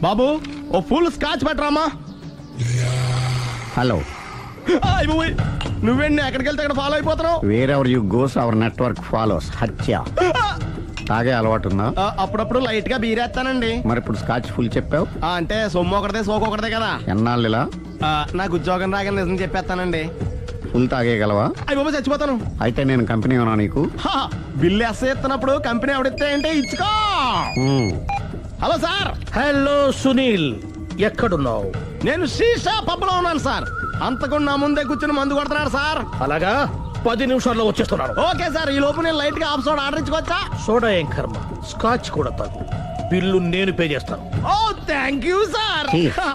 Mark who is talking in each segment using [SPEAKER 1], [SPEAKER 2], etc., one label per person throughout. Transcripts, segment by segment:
[SPEAKER 1] బాబు ఓ full scotch పెట్టరామా.
[SPEAKER 2] Hello,
[SPEAKER 1] నువ్వేండి ఎక్కడికి వెళ్తే అక్కడ ఫాలో అయిపోతున్నావు?
[SPEAKER 2] Wherever you goes our network follows. హత్య. తాగే అలవాటు ఉందా?
[SPEAKER 1] అప్పుడప్పుడు లైట్ గా బీరేస్తానండి.
[SPEAKER 2] మరి ఇప్పుడు స్కాచ్ ఫుల్ చెప్పావు
[SPEAKER 1] అంటే సొమ్ము ఒకటిదే సోకు ఒకటిదే కదా.
[SPEAKER 2] ఎన్నాళ్ళు ఇలా?
[SPEAKER 1] నాకు ఉద్యోగం రాగానే నిజం చెప్పేస్తానండి.
[SPEAKER 2] ఫుల్ తాగేయగలవా?
[SPEAKER 1] అయ్యి బాబు చచ్చిపోతాను.
[SPEAKER 2] అయితే నేను కంపెనీ ఉన్నా నీకు.
[SPEAKER 1] బిల్లు ఎస్ ఎత్తున్నప్పుడు కంపెనీ ఎవడిస్తే అంటే ఇచ్చుకో. Hello sir.
[SPEAKER 3] హలో సునీల్, ఎక్కడున్నావు?
[SPEAKER 1] నేను శీషా పబ్ లో ఉన్నాను సార్. అంతకుండా నా ముందే కూర్చుని మందు కొడుతున్నాడు సార్.
[SPEAKER 3] అలాగా, 10 నిమిషాల్లో వచ్చేస్తున్నాను.
[SPEAKER 1] Okay sir. ఈ లోపు నేను లైట్ గా హాఫ్ సోడా ఆర్డర్ ఇచ్చుకోవచ్చా?
[SPEAKER 3] సోడా ఏం కర్మ, స్కాచ్ కూడా తాగు. బిల్లు నేను పే చేస్తాను.
[SPEAKER 1] Oh thank you sir.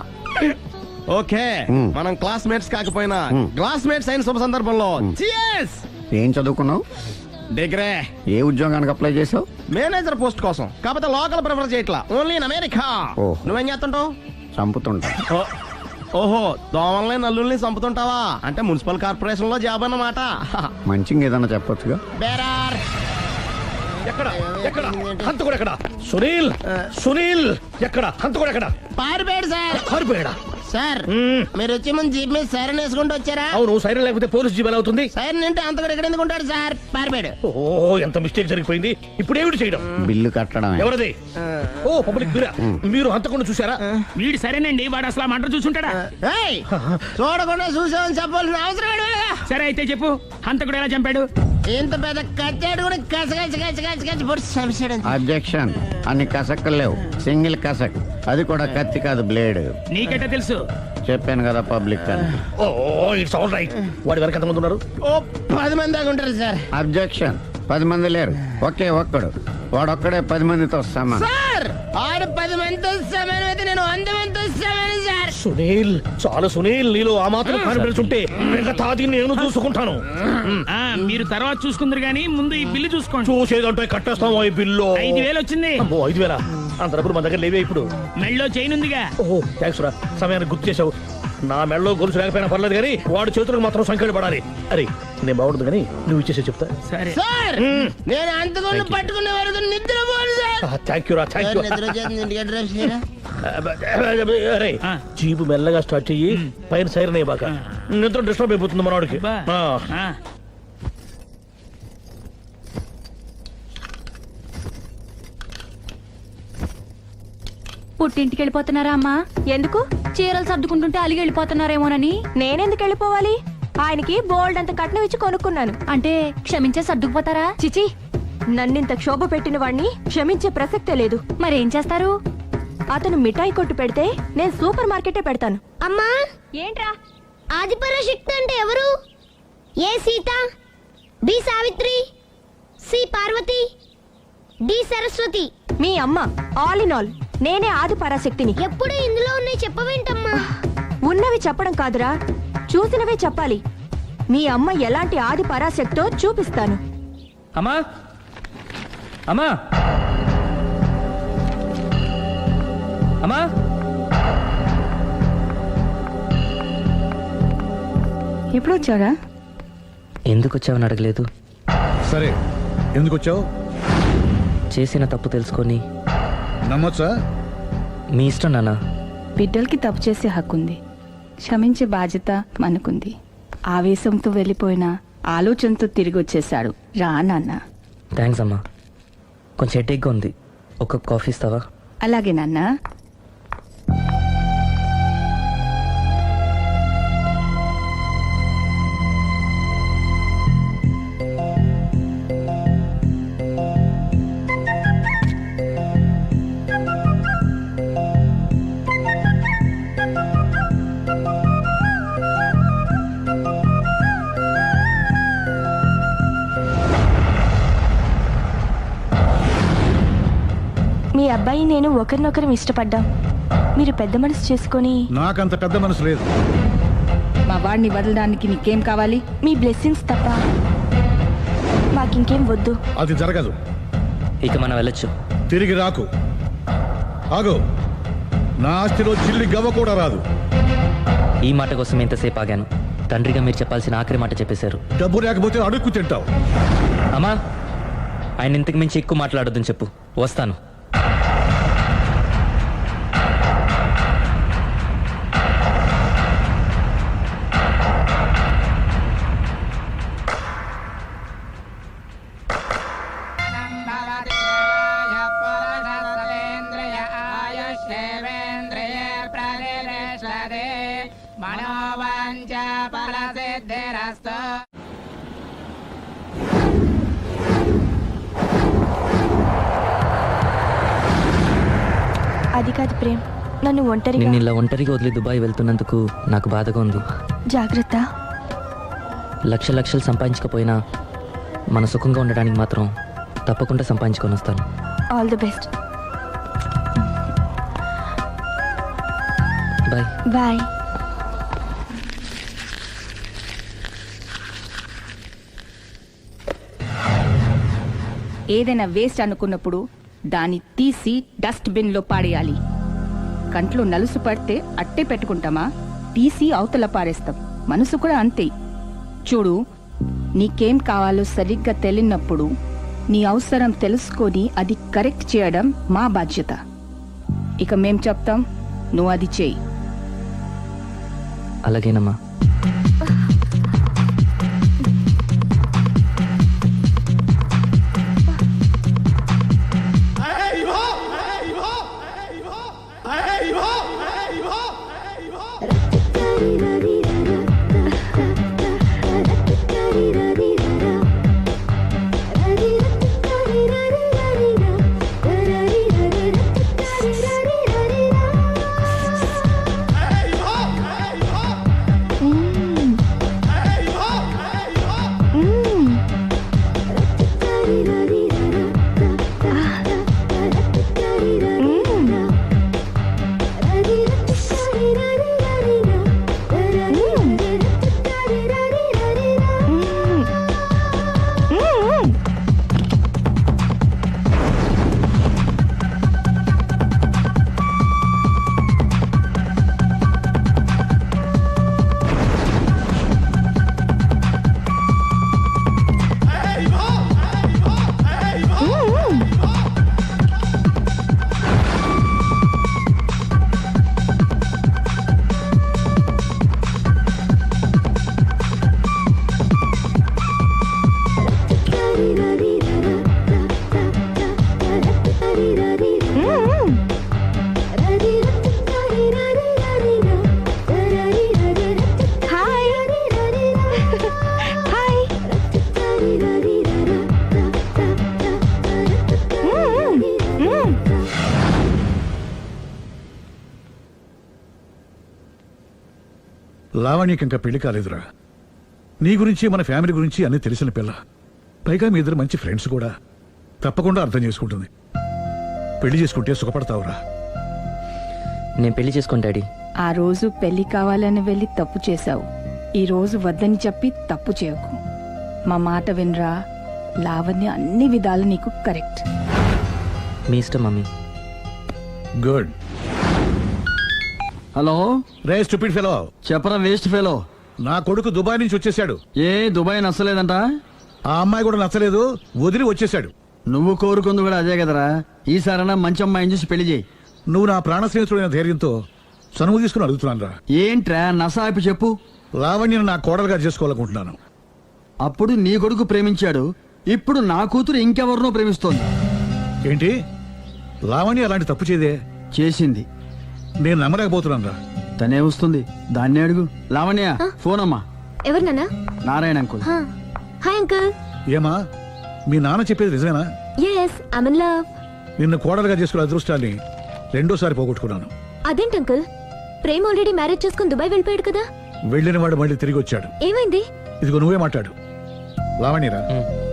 [SPEAKER 1] Okay, మనం క్లాస్మేట్స్ కాకపోయినా క్లాస్మేట్స్ అయిన శుభ సందర్భంలో cheers.
[SPEAKER 2] ఏం చదువుకున్నావు?
[SPEAKER 1] డిగ్రీ.
[SPEAKER 2] ఏ ఉద్యోగానికి అప్లై చేసావు?
[SPEAKER 1] మేనేజర్ పోస్ట్ కోసం. కాకపోతే లోకల్ ప్రిఫర్ చేయట్లా, ఓన్లీ ఇన్ అమెరికా. నువ్వేం చేస్తుంటావు?
[SPEAKER 2] చంపుతుంటా.
[SPEAKER 1] ఓహో, దోమల్ని నల్లుల్ని చంపుతుంటావా? అంటే మున్సిపల్ కార్పొరేషన్ లో జాబ్ అన్నమాట.
[SPEAKER 2] మంచిగా ఏదన్నా చెప్పొచ్చుగా.
[SPEAKER 1] బేరార్.
[SPEAKER 3] ఎక్కడ ఎక్కడ హంతకుడు ఎక్కడ? సునీల్, సునీల్ ఎక్కడ? హంతకుడు ఎక్కడ?
[SPEAKER 1] పారిపోయాడు సార్.
[SPEAKER 3] పారిపోయాడా?
[SPEAKER 1] సార్ మీరు వచ్చే ముందు జీప్ మీద సైరన్ వేసుకుంటూ వచ్చారా?
[SPEAKER 3] అవును, సైరన్ లేకపోతే పోలీస్ జీప్ ఎలా అవుతుంది?
[SPEAKER 1] సైరన్ అంటే అంతకుడు ఎక్కడ ఎందుకు ఉంటాడు సార్? పారిపోయాడు.
[SPEAKER 3] ఓ, ఎంత మిస్టేక్ జరిగిపోయింది. ఇప్పుడు ఏమిటి చేయడం?
[SPEAKER 2] బిల్లు కట్టడం.
[SPEAKER 3] ఎవరది? ఓ, పబ్లిక్ మీరా? మీరు హంతకుండా చూసారా?
[SPEAKER 4] వీడు సరేనండి, వాడు అసలు మంట చూసుంటాడా?
[SPEAKER 1] చూడకుండా చూసామని చెప్పాల్సిన అవసరం లేదు.
[SPEAKER 4] సరే అయితే చెప్పు, హంతకుడు ఎలా చంపాడు?
[SPEAKER 1] ఇంత పెద్ద కచ్చాడు కూడా కచ్చ పొడి.
[SPEAKER 2] అబ్జెక్షన్. అన్ని కసక్కలు లేవు, సింగిల్ కసక్. అది కూడా కత్తి కాదు, బ్లేడ్.
[SPEAKER 4] నీకెట్టా తెలుసు?
[SPEAKER 2] చెప్పాను కదా పబ్లిక్ అని.
[SPEAKER 3] Oh, it's all right. వాడి వరకు ఎంతమంది ఉన్నారు?
[SPEAKER 1] ఓ 10 మంది దాకా ఉంటారు సార్.
[SPEAKER 2] అబ్జెక్షన్. 10 మంది లేరు, ఒకే ఒక్కడు. వాడొక్కడే 10 మందితో సమానం.
[SPEAKER 1] సార్ ఆడు 10 మందితో సమానం అయితే నేను 100 మందితో సమానం సార్.
[SPEAKER 3] సునీల్, చాలు సునీల్, నీలో ఆ మాత్రం కాన్ఫిడెన్స్ ఉంటే మిగతాది నేను చూసుకుంటాను.
[SPEAKER 4] మీరు తర్వాత చూసుకుందరు గానీ ముందు ఈ బిల్లు చూసుకోండి.
[SPEAKER 3] చూసేదంటే కట్టేస్తాము ఈ బిల్లు.
[SPEAKER 4] 5,000 వచ్చింది.
[SPEAKER 3] 5,000? అంత డబ్బులు మన దగ్గర లేవే ఇప్పుడు.
[SPEAKER 4] మెళ్ళో చైన్ ఉందిగా.
[SPEAKER 3] ఓహో, థ్యాంక్స్ రా, సమయానికి గుర్తు చేసావు. నా మెడలో గొలుసు లేకపోయినా పర్లేదు కానీ వాడి చేతులకు మాత్రం సంఖ్యలు పడాలి. అరే, నేను బాగుండదు కానీ నువ్వు ఇచ్చేసే చెప్తా.
[SPEAKER 4] సరే
[SPEAKER 1] సార్, నేను అంతకుండా పట్టుకునే వరకు నిద్రపోను సార్.
[SPEAKER 3] థ్యాంక్ యూ రా, థ్యాంక్ యూ. అరే, జీపు మెల్లగా స్టార్ట్ చెయ్యి, పైన సైరన్ అయ్యి బాగా. నిద్ర డిస్టర్బ్ అయిపోతుంది మనవాడికి.
[SPEAKER 5] పుట్టింటికి వెళ్ళిపోతున్నారా అమ్మా? ఎందుకు? చీరలు సర్దుకుంటుంటే అలిగి వెళ్ళిపోతున్నారేమోనని. నేనెందుకు వెళ్ళిపోవాలి? ఆయనకి బోల్డ్ అంత కట్నం ఇచ్చి కొనుక్కున్నాను. అంటే క్షమించే సర్దుకుపోతారా? చిచి, నన్నింత క్షోభ పెట్టిన వాణ్ణి క్షమించే ప్రసక్తే లేదు. మరేం చేస్తారు? అతను మిఠాయి కొట్టు పెడితే నేను సూపర్ మార్కెటే పెడతాను.
[SPEAKER 6] అమ్మా,
[SPEAKER 5] ఏంట్రా?
[SPEAKER 6] ఆదిపరాశక్తి అంటే ఎవరు? A Sita, B Savitri, C Parvati, D Saraswati.
[SPEAKER 5] మీ అమ్మ. ఆల్ ఇన్ ఆల్ నేనే ఆది పరాశక్తిని.
[SPEAKER 6] ఎప్పుడు ఇందులో ఉన్నాయి చెప్పవేంటమ్మా?
[SPEAKER 5] ఉన్నవి చెప్పడం కాదురా, చూసినవే చెప్పాలి. మీ అమ్మ ఎలాంటి ఆది పరాశక్తో చూపిస్తాను.
[SPEAKER 4] అమ్మా, అమ్మా, అమ్మా.
[SPEAKER 5] ఎప్పుడు వచ్చారా?
[SPEAKER 7] ఎందుకు వచ్చావని అడగలేదు.
[SPEAKER 8] సరే, ఎందుకు వచ్చావు?
[SPEAKER 7] చేసిన తప్పు తెలుసుకొని
[SPEAKER 8] నమ్మొచ్చా?
[SPEAKER 7] మీ ఇష్టం నాన్న.
[SPEAKER 9] బిడ్డలకి తప్పు చేసే హక్కుంది, క్షమించే బాధ్యత మనకుంది. ఆవేశంతో వెళ్ళిపోయిన ఆలోచనతో తిరిగి వచ్చేశాడు. రా నాన్న.
[SPEAKER 7] థ్యాంక్స్ అమ్మా. కొంచెం హెడేక్గా ఉంది, ఒక కాఫీ ఇస్తావా?
[SPEAKER 9] అలాగే నాన్న.
[SPEAKER 5] మీ అబ్బాయి నేను ఒకరినొకరు ఇష్టపడ్డాం. మీరు పెద్ద మనసు చేసుకొని.
[SPEAKER 8] నాకంత పెద్ద మనసు లేదు.
[SPEAKER 9] మా వాడిని వదలడానికి నీకేం కావాలి?
[SPEAKER 5] మీ బ్లెస్సింగ్స్ తప్ప మాకింకేం వద్దు.
[SPEAKER 8] అది జరగదు.
[SPEAKER 7] ఇక మనం వెళ్ళొచ్చు.
[SPEAKER 8] తిరిగి రాకు. ఆగు. నా ఆస్తిలో చిల్లి గవ్వ కూడా రాదు.
[SPEAKER 7] ఈ మాట కోసం ఎంతసేపు ఆగాను. తండ్రిగా మీరు చెప్పాల్సిన ఆఖరి మాట చెప్పేశారు.
[SPEAKER 8] డబ్బు లేకపోతే అడుక్కు తింటావు.
[SPEAKER 7] అమ్మా, ఆయన ఇంతకు మించి ఎక్కువ మాట్లాడొద్దని చెప్పు. వస్తాను.
[SPEAKER 5] అది కాదు ప్రేమ్, నన్ను ఒంటరిగా
[SPEAKER 7] నిన్ను ఇలా ఒంటరిగా వదిలి దుబాయ్ వెళ్తున్నందుకు నాకు బాధగా ఉంది.
[SPEAKER 5] జాగ్రత్త.
[SPEAKER 7] లక్షలు సంపాదించకపోయినా మన సుఖంగా ఉండడానికి మాత్రం తప్పకుండా సంపాదించుకొని వస్తాను.
[SPEAKER 5] All the best.
[SPEAKER 7] Bye.
[SPEAKER 5] Bye.
[SPEAKER 9] ఏదైనా వేస్ట్ అనుకున్నప్పుడు దాన్ని తీసి డస్ట్ బిన్ లో పాడేయాలి. కంట్లో నలుసు పడితే అట్టే పెట్టుకుంటామా? తీసి అవతల పారేస్తాం. మనసు కూడా అంతే. చూడు, నీకేం కావాలో సరిగ్గా తెలియనప్పుడు నీ అవసరం తెలుసుకొని అది కరెక్ట్ చేయడం మా బాధ్యత. ఇక మేం చెప్తాం, నువ్వు అది చేయి.
[SPEAKER 7] అలాగేనమ్మా.
[SPEAKER 8] లావణ్యకి ఇంకా పెళ్లి కాలేదురా. నీ గురించి మన ఫ్యామిలీ గురించి అన్ని తెలిసిన పిల్ల. పైగా మీ ఇద్దరు మంచి ఫ్రెండ్స్ కూడా. తప్పకుండా అర్థం చేసుకుంటుంది. పెళ్లి చేసుకుంటే సుఖపడతావురా.
[SPEAKER 7] నేను పెళ్లి చేసుకోను డాడీ.
[SPEAKER 9] ఆ రోజు పెళ్లి కావాలని వెళ్ళి తప్పు చేశావు. ఈ రోజు వద్దని చెప్పి తప్పు చేయకు. మా మాట వినరా. లావణ్య అన్ని విధాలు నీకు కరెక్ట్.
[SPEAKER 7] మీ ఇష్టం మమ్మీ.
[SPEAKER 8] గుడ్.
[SPEAKER 10] హలో,
[SPEAKER 8] రే స్టూపిడ్ ఫెలో,
[SPEAKER 10] చెప్పరా వేస్ట్ ఫెలో.
[SPEAKER 8] నా కొడుకు దుబాయ్ నుంచి వచ్చేసాడు.
[SPEAKER 10] ఏ దుబాయ్ నచ్చలేదంట?
[SPEAKER 8] ఆ అమ్మాయి కూడా నచ్చలేదు, వదిలి వచ్చేసాడు.
[SPEAKER 10] నువ్వు కోరుకుంది కూడా అదే కదరా. ఈసారైనా మంచి అమ్మాయిని చూసి పెళ్లి చేయి.
[SPEAKER 8] నువ్వు నా ప్రాణ స్నేహితుడైన ధైర్యంతో చనువు తీసుకుని అడుగుతున్నాను రా.
[SPEAKER 10] ఏంట్రా నసాపి చెప్పు.
[SPEAKER 8] లావణ్యను నా కోడలుగా చేసుకోవాలనుకుంటున్నాను.
[SPEAKER 10] అప్పుడు నీ కొడుకు ప్రేమించాడు, ఇప్పుడు నా కూతురు ఇంకెవరినో ప్రేమిస్తోంది.
[SPEAKER 8] ఏంటి? లావణ్య అలాంటి తప్పు చేయదే.
[SPEAKER 10] చేసింది.
[SPEAKER 8] నేను నమ్మలేకపోతున్నాను రా.
[SPEAKER 10] తనే వస్తుంది, దాన్ని అడుగు. లావణ్య, ఫోన్ అమ్మా.
[SPEAKER 5] ఎవరు నాన్న?
[SPEAKER 10] నారాయణ అంకుల్.
[SPEAKER 5] Hi uncle.
[SPEAKER 8] ఏమా, మీ నాన్న చెప్పేది నిజమేనా?
[SPEAKER 5] Yes, I am in love.
[SPEAKER 8] నిన్ను కోడలుగా చేసుకునే అదృష్టాన్ని రెండోసారి పోగొట్టుకున్నాను.
[SPEAKER 5] అదేంటి అంకుల్? ప్రేమ్ ఆల్రెడీ మ్యారేజ్ చేసుకుని దుబాయ్ వెళ్ళిపోయాడు కదా.
[SPEAKER 8] వెళ్ళిన వాడు మళ్ళీ తిరిగి వచ్చాడు.
[SPEAKER 5] ఏమైంది?
[SPEAKER 8] ఇదిగో నువ్వే మాట్లాడు. లావణ్యరా.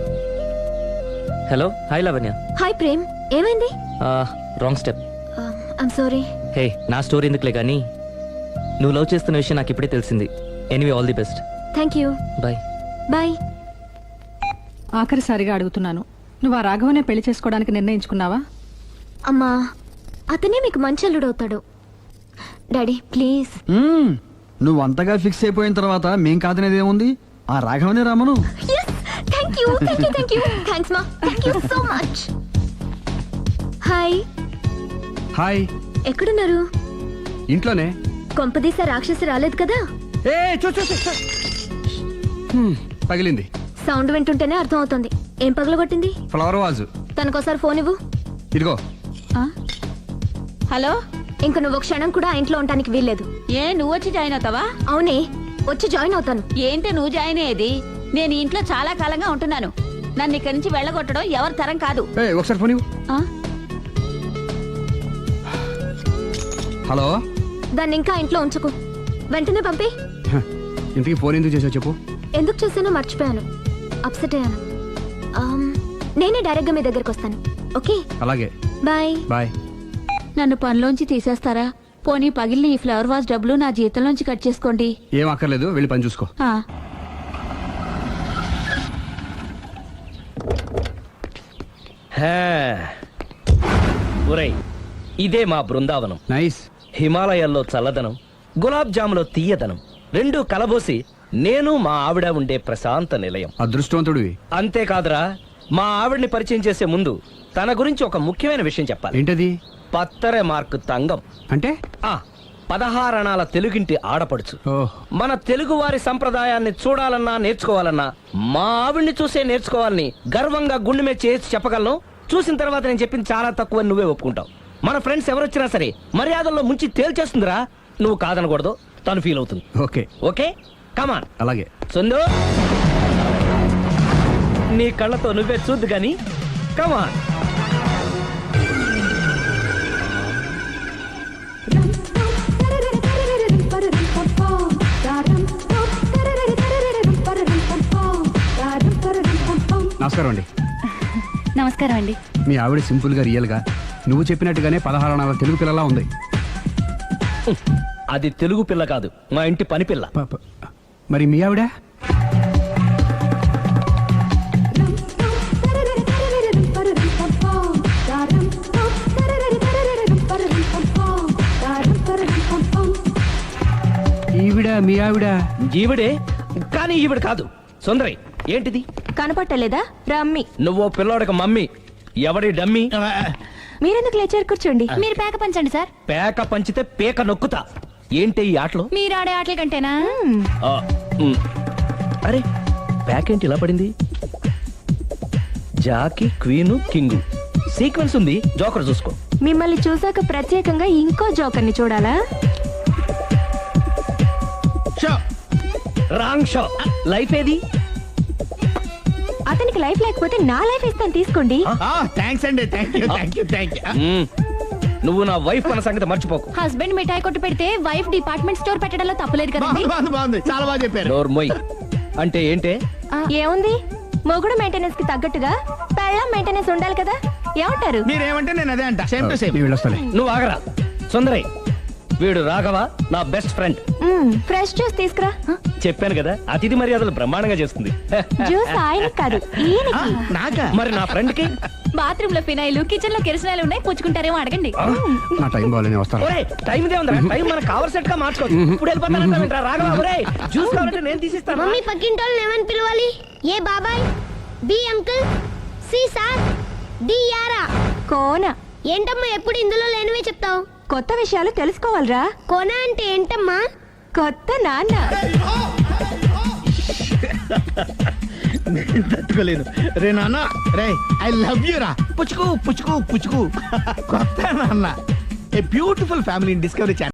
[SPEAKER 7] Hello. Hi Lavanya.
[SPEAKER 5] Hi Prem, ఏమైంది?
[SPEAKER 7] Wrong step.
[SPEAKER 5] I'm sorry.
[SPEAKER 7] Hey, నా స్టోరీ ఎందుకులే కానీ నువ్వు లవ్ చేస్తున్న విషయం నాకు ఇప్పుడే తెలిసింది. Anyway, all the best.
[SPEAKER 5] Thank you.
[SPEAKER 7] Bye.
[SPEAKER 5] Bye.
[SPEAKER 9] ఆఖరిసారిగా అడుగుతున్నాను, నువ్వు ఆ రాఘవనే పెళ్లి చేసుకోవడానికి నిర్ణయించుకున్నావా?
[SPEAKER 5] అమ్మా, అతనే మీకు మంచి అల్లుడు అవుతాడు. Daddy please.
[SPEAKER 10] నువ్వు అంతగా ఫిక్స్ అయిపోయిన తర్వాత మేం కాదనేది ఏముంది? ఆ రాఘవనే రామను.
[SPEAKER 5] Thank you, thank you, thank you. Thanks మా, thank you so much. Hi.
[SPEAKER 10] Hi.
[SPEAKER 5] ఎక్కడున్నారు?
[SPEAKER 10] ఇంట్లోనే.
[SPEAKER 5] కొంపదీసా రాక్షసి రాలేదు కదా?
[SPEAKER 10] ఏ పగిలింది.
[SPEAKER 5] సౌండ్ వింటుంటేనే అర్థం అవుతుంది. ఏం పగలగొట్టింది?
[SPEAKER 10] Flower vase.
[SPEAKER 5] తనకోసారి ఫోన్ ఇవ్వు.
[SPEAKER 10] ఇదిగో.
[SPEAKER 9] హలో,
[SPEAKER 5] ఇంక నువ్వు క్షణం కూడా ఆ ఇంట్లో ఉండడానికి వీల్లేదు.
[SPEAKER 9] ఏ నువ్వు వచ్చి జాయిన్ అవుతావా?
[SPEAKER 5] అవునే, వచ్చి జాయిన్ అవుతాను.
[SPEAKER 9] ఏంటి నువ్వు జాయిన్ అయ్యేది? నేను ఈ ఇంట్లో చాలా కాలంగా ఉంటున్నాను. నన్ను ఇక్కడి నుంచి వెళ్ళగొట్టడం ఎవరి తరం కాదు.
[SPEAKER 10] ఒకసారి ఫోన్ ఇవ్వు.
[SPEAKER 9] ఆ?
[SPEAKER 10] హలో,
[SPEAKER 5] దాన్ని ఇంకా ఇంట్లో ఉంచుకు, వెంటనే పంపి.
[SPEAKER 10] ఇంతకీ ఫోన్ ఎందుకు చేసావు చెప్పు.
[SPEAKER 5] ఎందుకు చేసానో మర్చిపోయాను, అప్సెట్ అయ్యాను. నేనే డైరెక్ట్ గా మీ దగ్గరకు వస్తాను. ఓకే,
[SPEAKER 10] అలాగే,
[SPEAKER 5] బాయ్.
[SPEAKER 10] బాయ్.
[SPEAKER 9] నన్ను పనిలోంచి తీసేస్తారా? పోనీ పగిలిన ఈ ఫ్లవర్ వాజ్ డబ్బులు నా జీతంలోంచి కట్ చేసుకోండి.
[SPEAKER 10] ఏం అక్కర్లేదు, వెళ్ళి పని చూసుకో.
[SPEAKER 9] ఆ.
[SPEAKER 3] ఒరేయ్, ఇదే మా బృందావనం.
[SPEAKER 10] నైస్.
[SPEAKER 3] హిమాలయాల్లో చల్లదనం, గులాబ్ జాములో తీయదనం, రెండూ కలబోసి నేను మా ఆవిడ ఉండే ప్రశాంత నిలయం.
[SPEAKER 10] అదృష్టవంతుడివి.
[SPEAKER 3] అంతేకాదురా, మా ఆవిడ్ని పరిచయం చేసే ముందు తన గురించి ఒక ముఖ్యమైన విషయం చెప్పాలి.
[SPEAKER 10] ఏంటది?
[SPEAKER 3] పత్తరె మార్కు తంగం
[SPEAKER 10] అంటే
[SPEAKER 3] 16 అణాల తెలుగింటి ఆడపడుచు.
[SPEAKER 10] ఓహ్,
[SPEAKER 3] మన తెలుగు వారి సంప్రదాయాన్ని చూడాలన్నా నేర్చుకోవాలన్నా మా ఆవిడ్ని చూసే నేర్చుకోవాలని గర్వంగా గుండె మీద చేసి చెప్పగలను. చూసిన తర్వాత నేను చెప్పింది చాలా తక్కువ నువ్వే ఒప్పుకుంటావు. మన ఫ్రెండ్స్ ఎవరొచ్చినా సరే మర్యాదల్లో ముంచి తేల్చేస్తుందిరా. నువ్వు కాదనకూడదు, తను ఫీల్ అవుతుంది.
[SPEAKER 10] Okay
[SPEAKER 3] okay, come on.
[SPEAKER 10] అలాగే.
[SPEAKER 3] సుందు, నీ కళ్ళతో నువ్వే చూద్దు గాని కమాన్.
[SPEAKER 10] నమస్కారం అండి.
[SPEAKER 5] నమస్కారం అండి.
[SPEAKER 10] మీ ఆవిడ సింపుల్ గా రియల్ గా నువ్వు చెప్పినట్టుగానే 16 అణాల తెలుగు పిల్లలా ఉంది.
[SPEAKER 3] అది తెలుగు పిల్ల కాదు, మా ఇంటి పని పిల్ల.
[SPEAKER 10] మరి మీ ఆవిడ? ఈవిడ మీ ఆవిడ?
[SPEAKER 3] ఈవిడే, కానీ ఈవిడ కాదు. సుందరి, ఏంటిది
[SPEAKER 5] కనపట్టలేదా? రమ్మి.
[SPEAKER 3] నువ్వు పిల్లోడికి మమ్మీ, ఎవడి డమ్మీ?
[SPEAKER 5] మీరెందుకు లేచారు? కూర్చోండి. మీరు పేక పంచండి సార్.
[SPEAKER 3] పేక పంచితే పేక నొక్కుతా. ఏంటి ఈ ఆటలు?
[SPEAKER 5] మీరు ఆడే ఆటల కంటేనా?
[SPEAKER 3] అరే, పేకేంటి ఇలా పడింది? జాకి, క్వీను, కింగు సీక్వెన్స్ ఉంది. జోకర్ చూసుకో.
[SPEAKER 5] మిమ్మల్ని చూసాక ప్రత్యేకంగా ఇంకో జోకర్ని చూడాలా?
[SPEAKER 3] Wrong show. లైఫ్ ఏది?
[SPEAKER 5] అతనికి లైఫ్ లేకపోతే నా లైఫ్ ఇస్తాను, తీసుకోండి.
[SPEAKER 1] థ్యాంక్స్ అండి. Thank you.
[SPEAKER 3] నువ్వు నా వైఫ్ అన్న సంగతి మర్చిపోకు.
[SPEAKER 5] హస్బెండ్ మిఠాయి కొట్టు పెడితే వైఫ్ డిపార్ట్మెంట్ స్టోర్ పెట్టడంలో తప్పలేదు కదండి.
[SPEAKER 1] బాగుంది, చాలా బాగా చెప్పారు.
[SPEAKER 3] నోరు మొయ్. అంటే ఏంటే?
[SPEAKER 5] ఏముంది, మొగుడు మెయింటెనెన్స్ కి తగ్గట్టుగా పెళ్ళాం మెయింటెనెన్స్ ఉండాలి కదా. ఏమంటారు?
[SPEAKER 1] మీరేమంటే నేను అదే అంట. Same to same.
[SPEAKER 10] నేను వెళ్ళొస్తాలే.
[SPEAKER 3] నువ్వు ఆగరా. సుందరై, వీడు రాఘవ, నా బెస్ట్ ఫ్రెండ్.
[SPEAKER 5] ఫ్రెష్ జ్యూస్ తీసుకురా.
[SPEAKER 3] చెప్పాను కదా, అతిథి మర్యాదలు బ్రహ్మాండంగా చేస్తుంది.
[SPEAKER 5] జ్యూస్ ఆయన కాదు, ఈయనకి.
[SPEAKER 1] నాకా?
[SPEAKER 3] మరి నా ఫ్రెండ్ కి?
[SPEAKER 5] బాత్రూమ్ లో ఫినాయిల్, కిచెన్ లో కిరసనాయిలు ఉన్నాయి, పుచ్చుకుంటారేమో అడగండి.
[SPEAKER 10] నా టైం బాగాలేనే వస్తాను.
[SPEAKER 3] ఒరే, టైం ఇదే ఉందా? టైం మనకు కవర్ సెట్ గా మార్చుకోవచ్చు. ఇప్పుడు వెళ్ళిపోతానంటా రాఘవ. ఒరే, జ్యూస్ కావాలంటే నేను తీసిస్తాను.
[SPEAKER 6] మమ్మీ పక్కింటి వాళ్ళని ఏమని పిలవాలి? ఏ బాబాయ్, B uncle, C sir, D యారా.
[SPEAKER 5] కోన.
[SPEAKER 6] ఏంటమ్మా ఎప్పుడు ఇందులో లేనివే చెప్తావు?
[SPEAKER 5] కొత్త విషయాలు తెలుసుకోవాలిరా.
[SPEAKER 6] కోన అంటే ఏంటమ్మా?
[SPEAKER 5] కొత్త నాన్న.
[SPEAKER 1] తట్టుకోలేదు రే నాన్న. రే, ఐ లవ్ యూ రా. పుచ్చుకు పుచ్చుకు పుచ్చుకు. కొత్త నాన్న. A beautiful family discovery channel.